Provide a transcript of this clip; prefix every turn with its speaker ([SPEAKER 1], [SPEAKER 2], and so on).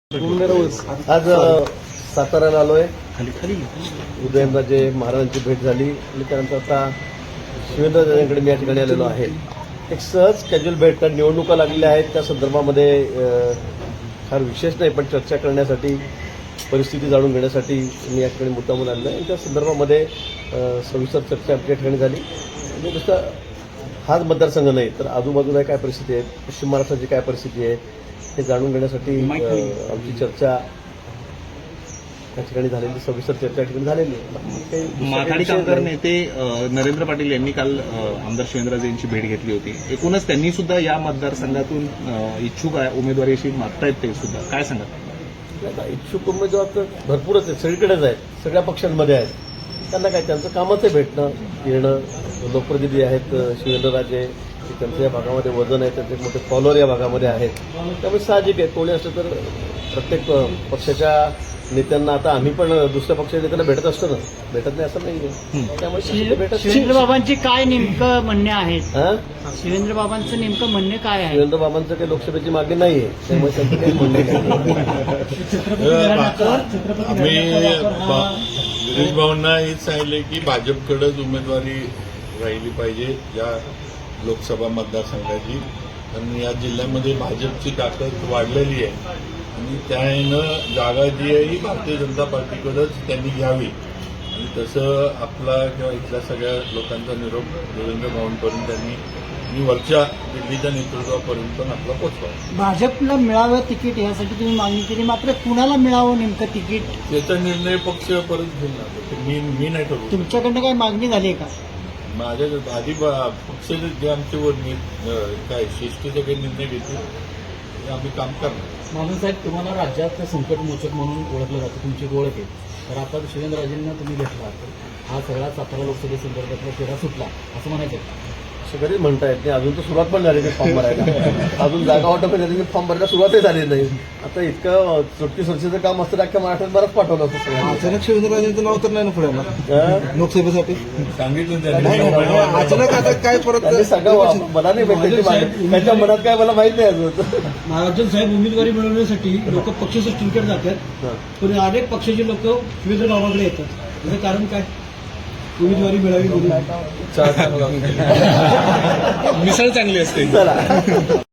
[SPEAKER 1] आज साताऱ्याला आलोय. उदयनराजे महाराजांची भेट झाली आणि त्यानंतर आता शिवेंद्रराजांकडे मी या ठिकाणी आलेलो आहे. एक सहज कॅज्युअल भेट, कारण निवडणुका लागलेल्या आहेत त्या संदर्भामध्ये फार विशेष नाही, पण चर्चा करण्यासाठी, परिस्थिती जाणून घेण्यासाठी मी या ठिकाणी मुद्दामून आलेलो आहे. त्या संदर्भामध्ये सविस्तर चर्चा आपल्या ठिकाणी झाली. म्हणजे नुसतं हाच मतदारसंघ नाही तर आजूबाजूला काय परिस्थिती आहे, पश्चिम महाराष्ट्राची काय परिस्थिती आहे हे जाणून घेण्यासाठी आमची चर्चा या ठिकाणी झालेली, सविस्तर चर्चा या ठिकाणी झालेली आहे.
[SPEAKER 2] माथाडी कामगार नेते नरेंद्र पाटील यांनी काल आमदार शिवेंद्रराजे यांची भेट घेतली होती. एकूणच त्यांनी सुद्धा या मतदारसंघातून इच्छुक आहे उमेदवारीशी मागतायत, ते सुद्धा काय सांगा?
[SPEAKER 1] इच्छुक उमेदवार तर भरपूरच आहेत, सगळीकडेच आहेत, सगळ्या पक्षांमध्ये आहेत. त्यांना काय, त्यांचं कामच आहे भेटणं येणं. लोकप्रतिनिधी आहेत शिवेंद्रराजे, त्यांचं या भागामध्ये वजन आहे, त्यांचे मोठे फॉलोअर या भागामध्ये आहेत. त्यामुळे साहजिक आहे, कोणी असलं तर प्रत्येक पक्षाच्या नेत्यांना, आता आम्ही पण दुसऱ्या पक्षाच्या नेत्यांना भेटत असतो ना, भेटत नाही असं नाही. त्यामुळे
[SPEAKER 3] शिवेंद्रबाबांचे काय नेमकं म्हणणे आहेत? शिवेंद्रबाबांचं नेमकं म्हणणे काय आहे?
[SPEAKER 1] शिवेंद्रबाबांचं काही लोकसभेची मागणी नाही आहे, त्यामुळे त्यांचं काही म्हणणे
[SPEAKER 4] आम्ही गिरीश भाऊंना हेच सांगितले की भाजपकडेच उमेदवारी राहिली पाहिजे या लोकसभा मतदारसंघाची, कारण या जिल्ह्यामध्ये भाजपची ताकद वाढलेली आहे आणि त्यानं जागा जी आहे ही भारतीय जनता पार्टीकडेच त्यांनी घ्यावी आणि तसं आपला किंवा इथल्या सगळ्या लोकांचा निरोप देवेंद्र भाऊंपर्यंत त्यांनी वरच्या दिल्लीच्या नेतृत्वापर्यंत पण आपला पोचवा.
[SPEAKER 3] भाजपला मिळावं तिकीट यासाठी तुम्ही मागणी केली, मात्र कुणाला मिळावं नेमकं तिकीट
[SPEAKER 4] याचा निर्णय पक्ष परत घेणार, मी नाही ठरवू.
[SPEAKER 3] तुमच्याकडनं काही मागणी झाली आहे का?
[SPEAKER 4] माझ्या आधी पक्ष जे आमच्यावर काय शिस्तीचे काही निर्णय घेतील ते आम्ही काम करणार.
[SPEAKER 5] साहेब, तुम्हाला राज्यात संकटमोचक म्हणून ओळखलं जातं, तुमची ओळख आहे. तर आता शिवेंद्रराजेंना तुम्ही भेटला, हा सगळा सातारा लोकसभेसंदर्भातला फेरा सुटला असं म्हणायचं.
[SPEAKER 1] असं कधीच म्हणता येत नाही. अजून तर सुरुवात पण झाली नाही फॉर्म भरायला. अजून जागा वाटप झाली, फॉर्म भरायला सुरुवातही झाली नाही. आता इतकं चुटकी सुरक्षेचं काम असतं, अख्ख्या महाराष्ट्रात बरंच पाठवलं असतं सगळ्यांना.
[SPEAKER 6] अचानक शिवेंद्रराजेंचं नाव तर नाही ना पुढे लोकसभेसाठी
[SPEAKER 4] सांगितलं
[SPEAKER 6] अचानक आता काय परत
[SPEAKER 1] त्यांनी सगळं मला नाही माहिती, त्यांच्या मनात काय मला माहित नाही अजून.
[SPEAKER 7] महाराजन साहेब उमेदवारी मिळवण्यासाठी लोक पक्ष सृष्टीकडे जातात, पण अनेक पक्षाचे लोक शिवेंद्र बाबाकडे येतात. त्याचं कारण काय? उमेदवारी मिळावी म्हणून.
[SPEAKER 1] मिसळ चांगली असते. चला.